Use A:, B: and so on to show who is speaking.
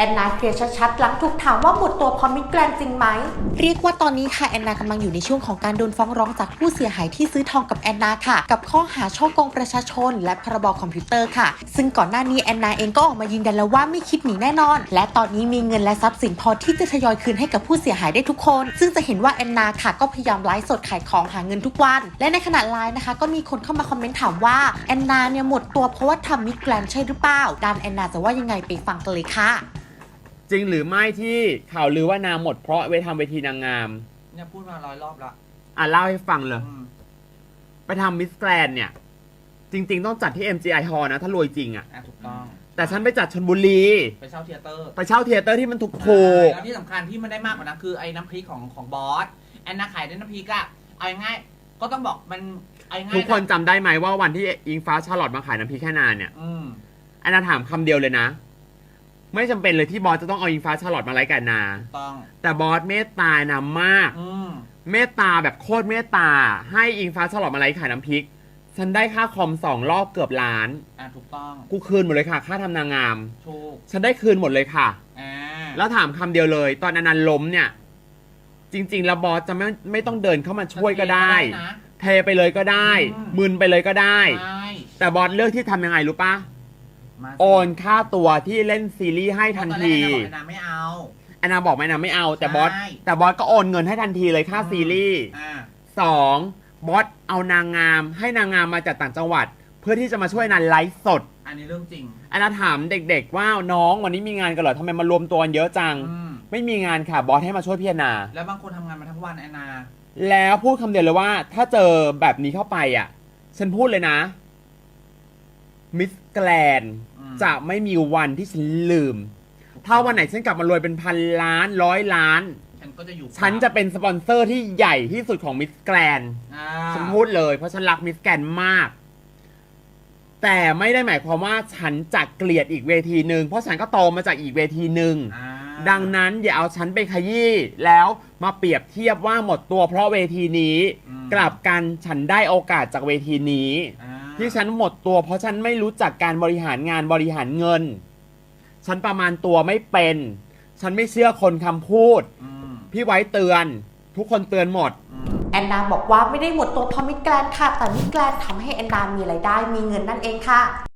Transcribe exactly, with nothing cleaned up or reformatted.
A: อนนาเคลียร์ชัดๆหลังถูกถามว่าหมดตัวเพราะมิสแกรนด์จริงไหมเรียกว่าตอนนี้ค่ะแอนนากำลังอยู่ในช่วงของการโดนฟ้องร้องจากผู้เสียหายที่ซื้อทองกับแอนนาค่ะกับข้อหาช่อโกงประชาชนและพรบคอมพิวเตอร์ค่ะซึ่งก่อนหน้านี้แอนนาเองก็ออกมายืนยันแล้วว่าไม่คิดหนีแน่นอนและตอนนี้มีเงินและทรัพย์สินพอที่จะทยอยคืนให้กับผู้เสียหายได้ทุกคนซึ่งจะเห็นว่าแอนนาค่ะก็พยายามไลฟ์สดขายของหาเงินทุกวันและในขณะไลฟ์นะคะก็มีคนเข้ามาคอมเมนต์ถามว่าแอนนาเนี่ยหมดตัวเพราะว่าทำมิสแกรนด์ใช่หรือเปล่าด้านแอนนาจะว่ายังไงไปฟังกันเลยค่ะ
B: จริงหรือไม่ที่ข่าวลือว่านางหมดเพราะไปทำเวทีนางงาม
C: เนี่ยพูดมาร้อยรอบละ
B: อ่ะเล่าให้ฟังเลยไปทำมิสแกรนด์เนี่ยจริงๆต้องจัดที่ เอ็ม จี ไอ Hall นะถ้ารวยจริงอ่ะ
C: ถูกต้อง
B: แต่ฉันไปจัดชลบุรี
C: ไปเช่าเทเตอร์
B: ไปเช่าเทเตอร์ที่มันถูกถูก
C: แล้วที่สำคัญที่มันได้มากกว่านั้นคือไอ้น้ำพริกของของบอสแอนนาขายได้น้ำพริกอะเอาง่ายก็ต้องบอกมันเอาง่าย
B: ทุกคนจำได้ไหมว่าวันที่อิงฟ้าชาร์ลอตมาขายน้ำพริกแค่นานเนี่ยแอนนาถามคำเดียวเลยนะไม่จำเป็นเลยที่บอสจะต้องเอาอิงฟ้าชาร์ลอตมาไลฟ์กันนา
C: ต้อง
B: แต่บอสเมตตานามากเมตตาแบบโคตรเมตตาให้อิงฟ้าชาร์ลอตมาไลฟ์ขายน้ำพริกฉันได้ค่าคอมสองรอบเกือบล้าน
C: อ่าถูกต้อง
B: กูคืนหมดเลยค่ะค่าทำนางงาม
C: ถูก
B: ฉันได้คืนหมดเลยค่ะ
C: อ่า
B: แล้วถามคำเดียวเลยตอนอนันต์ล้มเนี่ยจริงๆแล้วบอสจะไม่ไม่ต้องเดินเข้ามาช่วยก็ได้เทไปเลยก็ได้มึนไปเลยก็ได้แต่บอสเลือกที่ทำยังไงรู้ปะโอนค่าตัวที่เล่นซีรีส์ให้ทันที
C: แอนนาไม่เอา
B: แอนนาบอกไม่นะไม่เอาแต่บอสแต่บอสก็โอนเงินให้ทันทีเลยค่าซีรีส์สองบอสเอานางงามให้นางงามมาจากต่างจังหวัดเพื่อที่จะมาช่วยนันไลฟ์สด
C: อันนี้เรื่องจริง
B: แอนนาถามเด็กๆว่าน้องวันนี้มีงานกันเหรอทำไมมารวมตัวเยอะจังไม่มีงานค่ะบอสให้มาช่วยพี่แอนนา
C: แล้วบางคนทำงานมาทั้งวันแอนนา
B: แล้วพูดคำเดียวเลยว่าถ้าเจอแบบนี้เข้าไปอ่ะฉันพูดเลยนะมิสแกรนด์จะไม่มีวันที่ฉันลืมถ้าวันไหนฉันกลับมารวยเป็นพันล้านร้อยล้าน
C: ฉันก็จะอยู่
B: ฉันจะเป็นสปอนเซอร์ที่ใหญ่ที่สุดของมิสแกรนด์ฉันพูดเลยเพราะฉันรักมิสแกรนด์มากแต่ไม่ได้หมายความว่าฉันจะเกลียดอีกเวทีหนึ่งเพราะฉันก็โตมาจากอีกเวทีหนึ่งดังนั้นอย่าเอาฉันไปขยี้แล้วมาเปรียบเทียบว่าหมดตัวเพราะเวทีนี้กลับกันฉันได้โอกาสจากเวทีนี้ที่ฉันหมดตัวเพราะฉันไม่รู้จักการบริหารงานบริหารเงินฉันประมาณตัวไม่เป็นฉันไม่เชื่อคนคำพูดพี่ไว้เตือนทุกคนเตือนหมด
A: แอนนาบอกว่าไม่ได้หมดตัวเพราะมิสแกรนด์ค่ะแต่มิสแกรนด์ทำให้แอนนามีรายได้มีเงินนั่นเองค่ะ